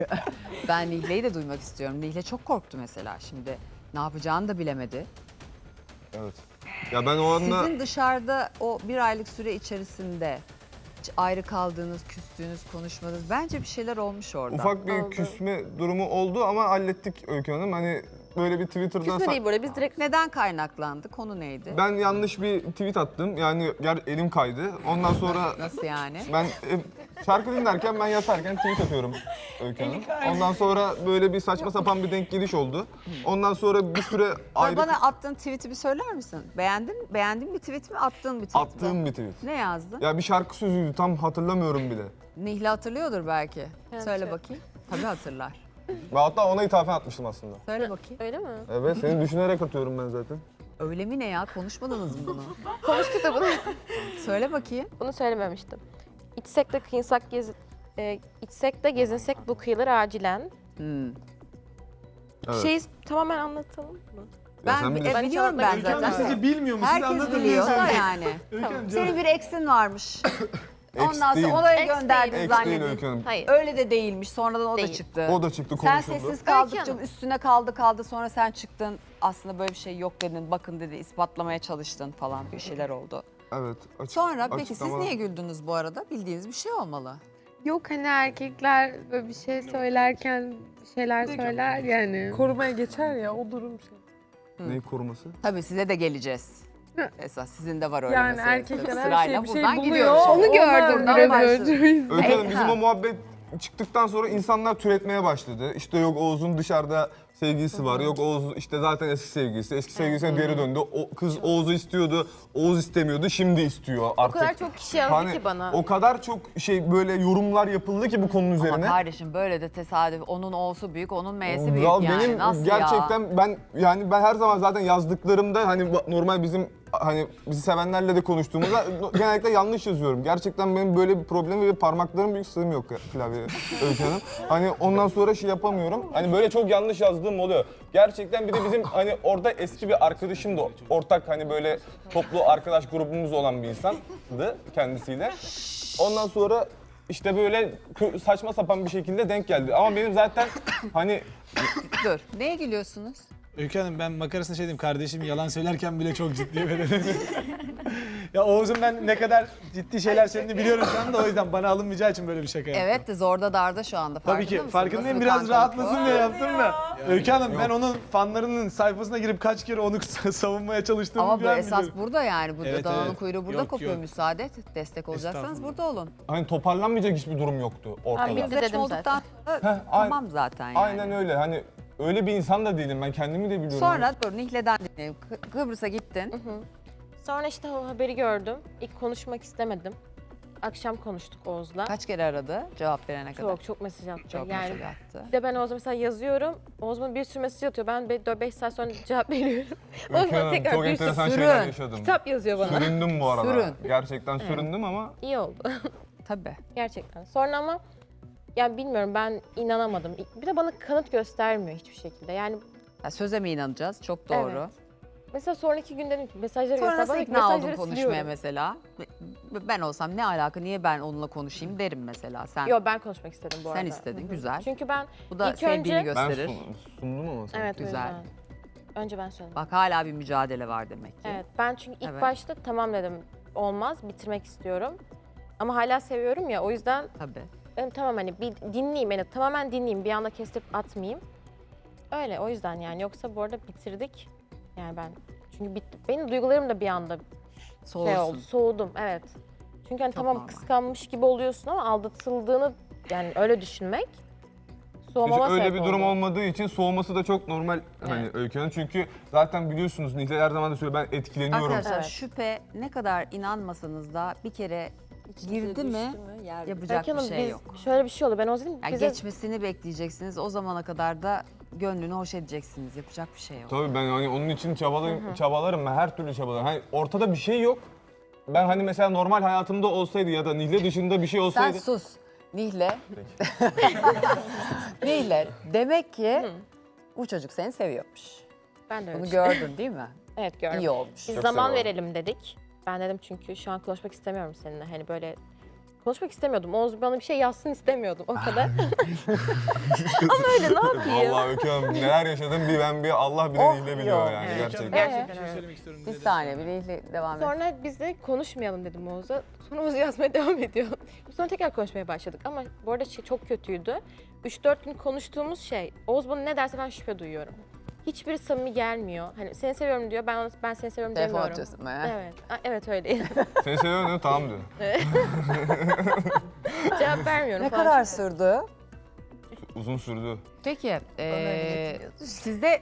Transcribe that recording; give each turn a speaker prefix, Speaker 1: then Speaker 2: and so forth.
Speaker 1: Ben Nihle'yi de duymak istiyorum. Nihle çok korktu mesela şimdi. Ne yapacağını da bilemedi.
Speaker 2: Evet. Ya ben o anda
Speaker 1: Sizin dışarıda o bir aylık süre içerisinde hiç ayrı kaldığınız, küstüğünüz, konuşmadığınız bence bir şeyler olmuş orada.
Speaker 2: ufak bir
Speaker 3: Oldu.
Speaker 2: küsme durumu oldu ama hallettik Öykü Hanım. Hani böyle bir Twitter'dan
Speaker 3: Küsme değil böyle biz direkt
Speaker 1: Neden kaynaklandı? Konu neydi?
Speaker 2: ben yanlış bir tweet attım. Yani elim kaydı. Ondan sonra
Speaker 1: Nasıl yani?
Speaker 2: ben şarkı dinlerken ben yatarken tweet atıyorum Öykü Hanım. Ondan sonra böyle bir saçma sapan bir denk geliş oldu. Ondan sonra bir süre ayrı
Speaker 1: Bana attığın tweet'i bir söyler misin? Beğendiğin bir tweet mi, attığın bir tweet mi?
Speaker 2: attığım bir tweet.
Speaker 1: Ne yazdın?
Speaker 2: Ya bir şarkı sözüydü tam hatırlamıyorum bile.
Speaker 1: Nihle hatırlıyordur belki.
Speaker 3: Evet.
Speaker 1: Söyle bakayım. Tabii hatırlar.
Speaker 2: Ve hatta ona ithafen atmıştım aslında.
Speaker 1: Söyle bakayım.
Speaker 3: öyle mi?
Speaker 2: Evet seni düşünerek atıyorum ben zaten.
Speaker 1: Öyle mi ne ya? Konuşmadınız mı bunu?
Speaker 3: Konuştuk da bunu.
Speaker 1: Söyle bakayım.
Speaker 3: Bunu söylememiştim. İçsek de kıyınsak içsek de gezinsek bu kıyıları acilen.
Speaker 1: Hmm.
Speaker 2: Evet.
Speaker 3: Şeyi tamamen anlatalım mı?
Speaker 2: Ya sen
Speaker 1: Ben
Speaker 2: bilirsin.
Speaker 1: biliyorum ben
Speaker 3: Öykü Hanım,
Speaker 1: zaten.
Speaker 4: Sizce bilmiyor mu? Siz
Speaker 1: Herkes
Speaker 4: anlatın
Speaker 1: biliyor da
Speaker 4: bize.
Speaker 1: yani.
Speaker 4: Öykü Hanım,
Speaker 1: Senin bir eksin varmış.
Speaker 2: Ex
Speaker 1: Ondan
Speaker 2: değil.
Speaker 1: sonra oraya
Speaker 3: Ex
Speaker 1: gönderdin
Speaker 3: değil.
Speaker 2: Ex değil
Speaker 1: zannedin.
Speaker 2: Öykü Hanım.
Speaker 3: Hayır.
Speaker 1: Öyle de değilmiş. Sonradan o da
Speaker 3: Değil.
Speaker 1: çıktı.
Speaker 2: O da çıktı
Speaker 1: Sen
Speaker 2: konuşuldu.
Speaker 1: sessiz kaldıkça
Speaker 3: Hanım.
Speaker 1: üstüne kaldı sonra sen çıktın. Aslında böyle bir şey yok dedin. Bakın dedi ispatlamaya çalıştın falan bir şeyler oldu.
Speaker 2: Evet.
Speaker 1: Sonra peki siz
Speaker 2: açıklama-
Speaker 1: niye güldünüz bu arada? Bildiğiniz bir şey olmalı.
Speaker 5: Yok hani erkekler böyle bir şey söylerken bir şeyler söyler yani.
Speaker 6: Korumaya geçer ya o durum şey.
Speaker 2: Neyi koruması?
Speaker 1: Tabii size de geleceğiz. Esas sizin de var öyle
Speaker 6: Yani
Speaker 1: mesela.
Speaker 6: erkekler
Speaker 1: Tabii
Speaker 6: her
Speaker 1: sırayla
Speaker 6: şey bir şey
Speaker 1: buradan
Speaker 6: buluyor.
Speaker 1: gidiyoruz.
Speaker 5: Onu gördüm
Speaker 1: Oradan
Speaker 5: biraz
Speaker 1: başladık.
Speaker 5: önce.
Speaker 2: Öykü Hanım bizim
Speaker 1: Ha.
Speaker 2: o muhabbet çıktıktan sonra insanlar türetmeye başladı. İşte yok Oğuz'un dışarıda sevgilisi var. Yok Oğuz işte zaten eski sevgilisi. Eski sevgilisine geri döndü. O kız Oğuz'u istiyordu. Oğuz istemiyordu. Şimdi istiyor
Speaker 3: O
Speaker 2: artık.
Speaker 3: kadar çok kişi yazdı
Speaker 2: Hani
Speaker 3: ki bana.
Speaker 2: o kadar çok şey böyle yorumlar yapıldı ki bu konunun
Speaker 1: Ama
Speaker 2: üzerine.
Speaker 1: kardeşim böyle de tesadüf. Onun O'su büyük, onun M'si büyük
Speaker 2: Ya
Speaker 1: yani.
Speaker 2: benim
Speaker 1: Nasıl
Speaker 2: gerçekten
Speaker 1: ya?
Speaker 2: ben her zaman zaten yazdıklarımda hani normal bizim hani bizi sevenlerle de konuştuğumuzda genellikle yanlış yazıyorum. Gerçekten benim böyle bir problemim ve parmaklarım büyük sığım yok klavyeye Öykü Hanım. Hani ondan sonra şey yapamıyorum. Hani böyle çok yanlış yazdığım oluyor. Gerçekten bir de bizim hani orada eski bir arkadaşım da ortak hani böyle toplu arkadaş grubumuz olan bir insandı kendisiyle. Ondan sonra işte böyle saçma sapan bir şekilde denk geldi. Ama benim zaten hani
Speaker 1: Dur. Neye gülüyorsunuz?
Speaker 4: Öykü Hanım ben makarasına şey diyeyim, kardeşim yalan söylerken bile çok ciddi verelim. Ya Oğuz'un ben ne kadar ciddi şeyler söylediğini biliyorum şu anda, o yüzden bana alınmayacağı için böyle bir şaka yaptım.
Speaker 1: Evet de zorda darda şu anda.
Speaker 4: Tabii
Speaker 1: Farkında
Speaker 4: ki
Speaker 1: mısın?
Speaker 4: farkındayım,
Speaker 1: Nasıl
Speaker 4: biraz
Speaker 1: bir
Speaker 4: rahatlasın
Speaker 1: kankalık
Speaker 4: diye
Speaker 1: bu?
Speaker 4: yaptım da. Öykü Hanım ben onun fanlarının sayfasına girip kaç kere onu savunmaya çalıştığımı
Speaker 1: Ama bu
Speaker 4: bir an
Speaker 1: esas
Speaker 4: biliyorum.
Speaker 1: burada yani. Burada
Speaker 4: Evet,
Speaker 1: dananın
Speaker 4: evet.
Speaker 1: kuyruğu burada
Speaker 4: Yok,
Speaker 1: kopuyor.
Speaker 4: yok.
Speaker 1: Müsaade et. Destek olacaksanız
Speaker 4: Estağfurullah.
Speaker 1: burada olun.
Speaker 2: hani toparlanmayacak hiçbir durum yoktu ortada.
Speaker 3: Abi,
Speaker 1: Yüzleşme
Speaker 3: dedim
Speaker 1: olduktan sonra
Speaker 2: aynen.
Speaker 1: tamam zaten yani.
Speaker 2: Aynen öyle. Hani öyle bir insan da değilim. Ben kendimi de biliyorum.
Speaker 1: Sonra dur Nihle'den dinleyelim. Kıbrıs'a gittin.
Speaker 3: Sonra işte o haberi gördüm. İlk konuşmak istemedim. Akşam konuştuk Oğuz'la.
Speaker 1: Kaç kere aradı cevap verene kadar?
Speaker 3: Çok mesaj attı.
Speaker 1: Çok
Speaker 3: yani
Speaker 1: mesaj attı.
Speaker 3: bir de ben Oğuz'a mesela yazıyorum. Oğuz bana bir sürü mesaj atıyor. Ben 4-5 saat sonra cevap veriyorum. Oğuz
Speaker 2: Öykü
Speaker 3: bana
Speaker 2: Hanım,
Speaker 3: tekrar
Speaker 2: çok
Speaker 3: bir sürü
Speaker 2: enteresan
Speaker 1: sürü
Speaker 2: şeyler yaşadım.
Speaker 3: kitap yazıyor bana.
Speaker 2: Süründüm bu arada.
Speaker 1: Sürün.
Speaker 2: Gerçekten süründüm ama
Speaker 3: İyi oldu.
Speaker 1: Tabii.
Speaker 3: Gerçekten. Sonra ama yani bilmiyorum, ben inanamadım. Bir de bana kanıt göstermiyor hiçbir şekilde. Yani
Speaker 1: Ya söze mi inanacağız? Çok doğru.
Speaker 3: Evet. mesela sonraki gün dedim ki mesajları
Speaker 1: Sonra
Speaker 3: göster.
Speaker 1: nasıl
Speaker 3: Bana
Speaker 1: ikna oldun
Speaker 3: mesajları
Speaker 1: konuşmaya
Speaker 3: siliyorum.
Speaker 1: mesela? Ben olsam ne alaka, niye ben onunla konuşayım derim mesela. Sen
Speaker 3: Yo, ben konuşmak istedim bu arada.
Speaker 1: sen istedin, güzel.
Speaker 3: Çünkü ben
Speaker 1: Bu da
Speaker 3: İlk
Speaker 1: sevdiğini
Speaker 3: önce-
Speaker 2: ben
Speaker 1: gösterir.
Speaker 2: sundum ama sen.
Speaker 3: evet o
Speaker 1: Güzel.
Speaker 3: yüzden. Önce ben söyledim.
Speaker 1: Bak hala bir mücadele var demek ki.
Speaker 3: Evet, ben çünkü ilk
Speaker 1: Evet.
Speaker 3: başta tamam dedim, olmaz, bitirmek istiyorum. Ama hala seviyorum ya, o yüzden
Speaker 1: Tabii.
Speaker 3: dedim tamam hani bir dinleyeyim, yani tamamen dinleyeyim, bir anda kestirip atmayayım. Öyle, o yüzden yani, yoksa bu arada bitirdik. Yani ben, çünkü benim duygularım da bir anda şey oldu, soğudum, evet. Çünkü hani
Speaker 1: Çok
Speaker 3: tamam
Speaker 1: normal.
Speaker 3: kıskanmış gibi oluyorsun ama aldatıldığını yani öyle düşünmek
Speaker 2: Hiç
Speaker 3: soğumama
Speaker 2: öyle
Speaker 3: sebep
Speaker 2: bir durum
Speaker 3: oldu.
Speaker 2: olmadığı için soğuması da çok normal hani Öykü Hanım. Çünkü zaten biliyorsunuz Nihle her zaman da söylüyor, ben etkileniyorum.
Speaker 1: Arkadaşlar
Speaker 3: Evet.
Speaker 1: şüphe ne kadar inanmasanız da bir kere girdi mi yapacak
Speaker 3: Öykü
Speaker 1: bir
Speaker 3: Hanım,
Speaker 1: şey
Speaker 3: biz
Speaker 1: yok.
Speaker 3: şöyle bir şey oldu, ben o zaman
Speaker 1: Yani
Speaker 3: bize
Speaker 1: geçmesini bekleyeceksiniz. O zamana kadar da gönlünü hoş edeceksiniz. Yapacak bir şey yok.
Speaker 2: Tabii ben hani onun için çabalarım ben her türlü çabalarım. Hani ortada bir şey yok. Ben hani mesela normal hayatımda olsaydı ya da Nihle dışında bir şey
Speaker 1: Sen
Speaker 2: olsaydı.
Speaker 1: sus. Nihle. Nihle. Demek ki bu çocuk seni seviyormuş.
Speaker 3: ben de öyle
Speaker 1: Bunu
Speaker 3: düşünüyorum.
Speaker 1: gördün değil mi?
Speaker 3: Evet, gördüm.
Speaker 1: İyi olmuş.
Speaker 3: Biz
Speaker 2: Çok
Speaker 3: zaman
Speaker 2: seviyorum.
Speaker 3: verelim dedik. Ben dedim çünkü şu an konuşmak istemiyorum seninle. Hani böyle konuşmak istemiyordum. Oğuz bana bir şey yazsın istemiyordum o kadar. Ama öyle ne yapayım?
Speaker 2: Vallahi Öykü Hanım neler yaşadım bir Allah
Speaker 1: Oh,
Speaker 2: bile biliyor
Speaker 1: yok.
Speaker 2: yani
Speaker 1: Evet.
Speaker 2: gerçekten.
Speaker 3: Gerçekten
Speaker 4: Bir şey
Speaker 3: öyle.
Speaker 4: söylemek istiyorum.
Speaker 1: Bir
Speaker 4: bize de.
Speaker 1: saniye Bileğiyle devam et.
Speaker 3: Sonra biz de konuşmayalım dedim Oğuz'a. Sonra Oğuz yazmaya devam ediyor. Sonra tekrar konuşmaya başladık ama bu arada şey çok kötüydü. 3-4 gün konuştuğumuz şey, Oğuz bana ne derse ben şüphe duyuyorum. Hiçbiri samimi gelmiyor. Hani seni seviyorum diyor, ben seni seviyorum
Speaker 1: Telefon
Speaker 3: demiyorum.
Speaker 1: atıyorsun bana.
Speaker 3: Evet, evet öyle.
Speaker 2: Seni seviyorum dedim tamam diyor.
Speaker 3: Cevap vermiyorum
Speaker 1: Ne
Speaker 3: falan.
Speaker 1: kadar sürdü?
Speaker 2: Uzun sürdü.
Speaker 1: Peki,
Speaker 7: öyle getiriyordu.
Speaker 1: sizde